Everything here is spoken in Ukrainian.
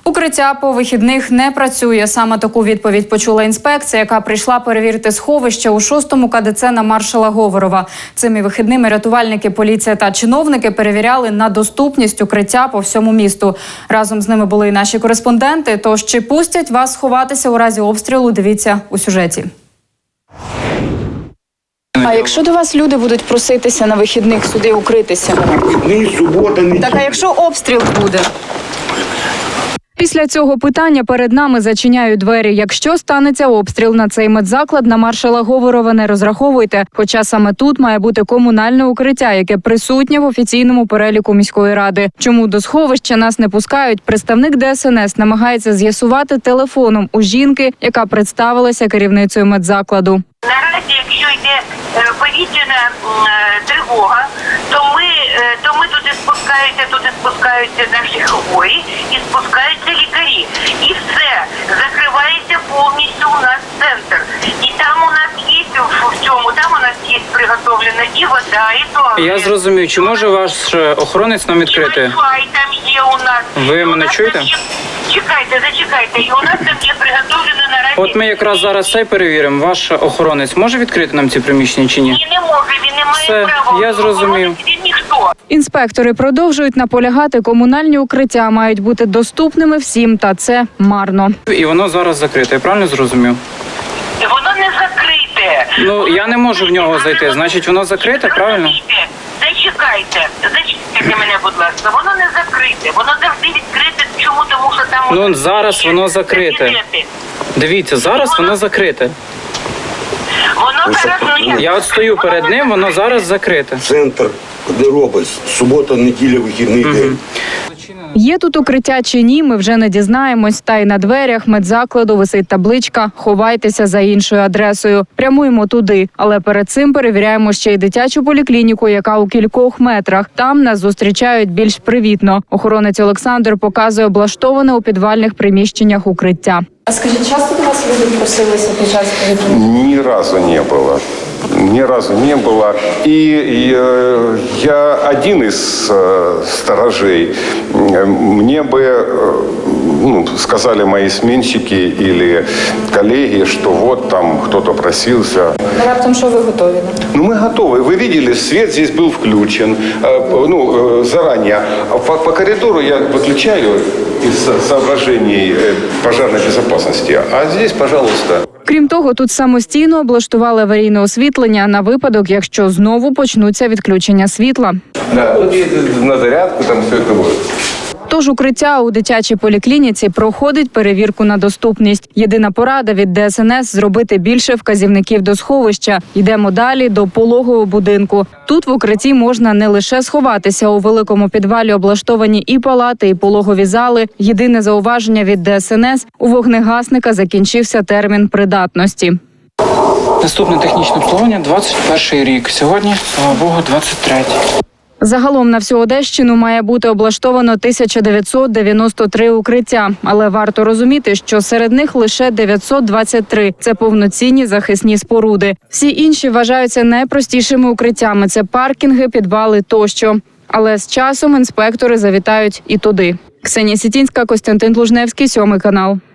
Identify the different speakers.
Speaker 1: Укриття по вихідних не працює. Саме таку відповідь почула інспекція, яка прийшла перевірити сховище у 6-му КДЦ на маршала Говорова. Цими вихідними рятувальники, поліція та чиновники перевіряли на доступність укриття по всьому місту. Разом з ними були і наші кореспонденти. Тож чи пустять вас сховатися у разі обстрілу, дивіться у сюжеті. А якщо до вас люди будуть проситися на вихідних сюди укритися?
Speaker 2: Вихідний, субота, неділя.
Speaker 1: Так, а якщо обстріл буде? Після цього питання перед нами зачиняють двері. Якщо станеться обстріл на цей медзаклад, на маршала Говорова не розраховуйте. Хоча саме тут має бути комунальне укриття, яке присутнє в офіційному переліку міської ради. Чому до сховища нас не пускають, представник ДСНС намагається з'ясувати телефоном у жінки, яка представилася керівницею медзакладу.
Speaker 3: Наразі, якщо йде повітряна тривога, то ми туди спускаються наші хворі і спускаються лікарі. І все, закривається повністю у нас центр. І там у нас є приготовлена і вода, і туалет.
Speaker 4: Я зрозумів, чи може ваш охоронець нам відкрити?
Speaker 3: І Wi-Fi там є у нас.
Speaker 4: Ви мене чуєте?
Speaker 3: Зачекайте. І у нас там є приготовлено наразі...
Speaker 4: От ми якраз зараз це перевіримо. Ваш охоронець може відкрити нам ці приміщення чи ні?
Speaker 3: Ні, не може, він не має
Speaker 4: Все,
Speaker 3: права.
Speaker 4: я зрозумів.
Speaker 3: Він ніхто.
Speaker 1: Інспектори продовжують наполягати, комунальні укриття мають бути доступними всім, та це марно.
Speaker 4: І воно зараз закрите, я правильно зрозумів?
Speaker 3: Воно не закрите.
Speaker 4: Ну, я не можу в нього зайти, значить воно закрите, правильно?
Speaker 3: Зачекайте мене, будь ласка. Воно не закрите, воно завжди відкрите. Чому? Тому що там...
Speaker 4: Ну, зараз воно закрите. Дивіться, зараз воно закрите.
Speaker 3: Воно зараз...
Speaker 4: Я от стою перед ним, воно зараз закрите.
Speaker 2: Центр, де робить, субота, неділя, вихідний день.
Speaker 1: Є тут укриття чи ні, ми вже не дізнаємось. Та й на дверях медзакладу висить табличка «Ховайтеся за іншою адресою». Прямуємо туди. Але перед цим перевіряємо ще й дитячу поліклініку, яка у кількох метрах. Там нас зустрічають більш привітно. Охоронець Олександр показує облаштоване у підвальних приміщеннях укриття. А скажіть, часто до вас люди просилися під час повітряної?
Speaker 5: Ни разу не было. Ни разу не было. И я один из сторожей. Мне бы сказали мои сменщики или коллеги, что вот там кто-то просился.
Speaker 1: Раптом, що ви готові?
Speaker 5: Ну, мы готовы. Вы видели, свет здесь был включен заранее. По коридору я выключаю из соображений пожарной безопасности. А здесь, пожалуйста.
Speaker 1: Крім того, тут самостійно облаштували аварійне освітлення на випадок, якщо знову почнуться відключення світла.
Speaker 5: Да, тут є на зарядку, там все це буде.
Speaker 1: Тож укриття у дитячій поліклініці проходить перевірку на доступність. Єдина порада від ДСНС – зробити більше вказівників до сховища. Йдемо далі до пологового будинку. Тут в укритті можна не лише сховатися. У великому підвалі облаштовані і палати, і пологові зали. Єдине зауваження від ДСНС – у вогнегасника закінчився термін придатності.
Speaker 4: Наступне технічне обслуговування 21 рік. Сьогодні, слава Богу, 23-й.
Speaker 1: Загалом на всю Одещину має бути облаштовано 1993 укриття. Але варто розуміти, що серед них лише 923 – це повноцінні захисні споруди. Всі інші вважаються найпростішими укриттями – це паркінги, підвали тощо. Але з часом інспектори завітають і туди. Ксенія Сітінська, Костянтин Лужневський, 7 канал.